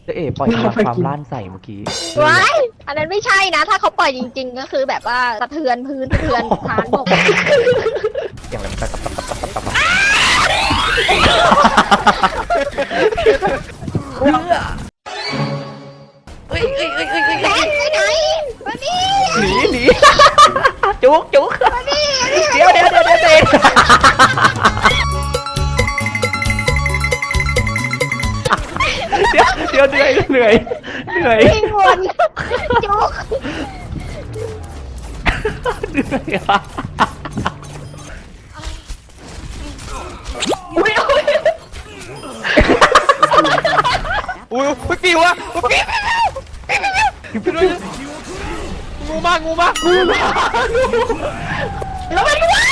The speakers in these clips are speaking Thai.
จะเอ๋ปล่อยพลังความล้านใส่เมื่อกี้ว้ายอันนั้นไม่ใช่นะ ถ้าเขาปล่อยจริงๆ ก็คือแบบว่าสะเทือนพื้นสะเทือนฐานบกอย่างไรมันตับเอ้ยแบงค์ไปไหนมานี่หนีจุกเดี๋ยวเหนื่อยวิ่งวนจุกเหนื่อยอ่ะอุ้ยปิวอะปิวงูมาแล้วมันว้าย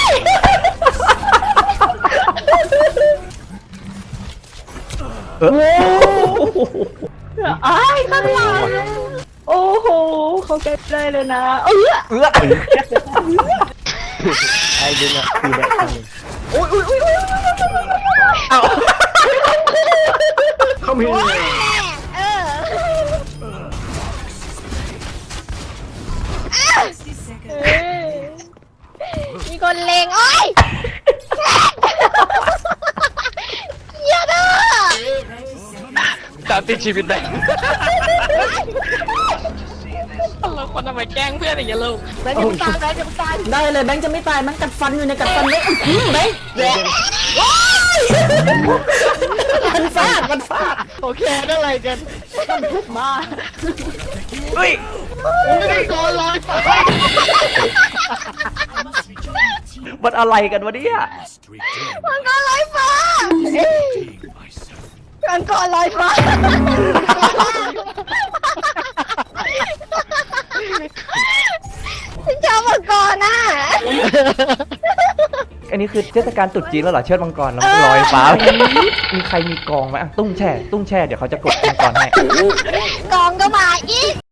อ้ายข้างหลังโอ้โหเขาใกล้ได้เลยนะไอ้ดึงอ่ะคือแบบนึงเขามีเออมีคนเลงโอ้ยอย่าเด้อตามติดชีวิตแบงค์เราคนทำไมแกล้งเพื่อนอย่างเงี้ยลูกแบงค์จะตายแบงค์จะตายได้เลยแบงค์จะไม่ตายมันกัดฟันอยู่ในกัดฟันเลยแบงค์มันฟาดโอเคได้อะไรกันมันทุบมาเฮ้ยโดนลอยไปมันอะไรกันวะเนี่ยมังกรลอยฟ้ามังกรลอยฟ้าฉันชอบมังกรน่ะอันนี้คือเทศกาลตรุษจีนแล้วเหรอเชิดมังกรแล้วลอยฟ้ามีใครมีกองไหมตุ้งแช่เดี๋ยวเขาจะกดมังกรให้กองก็มาอีก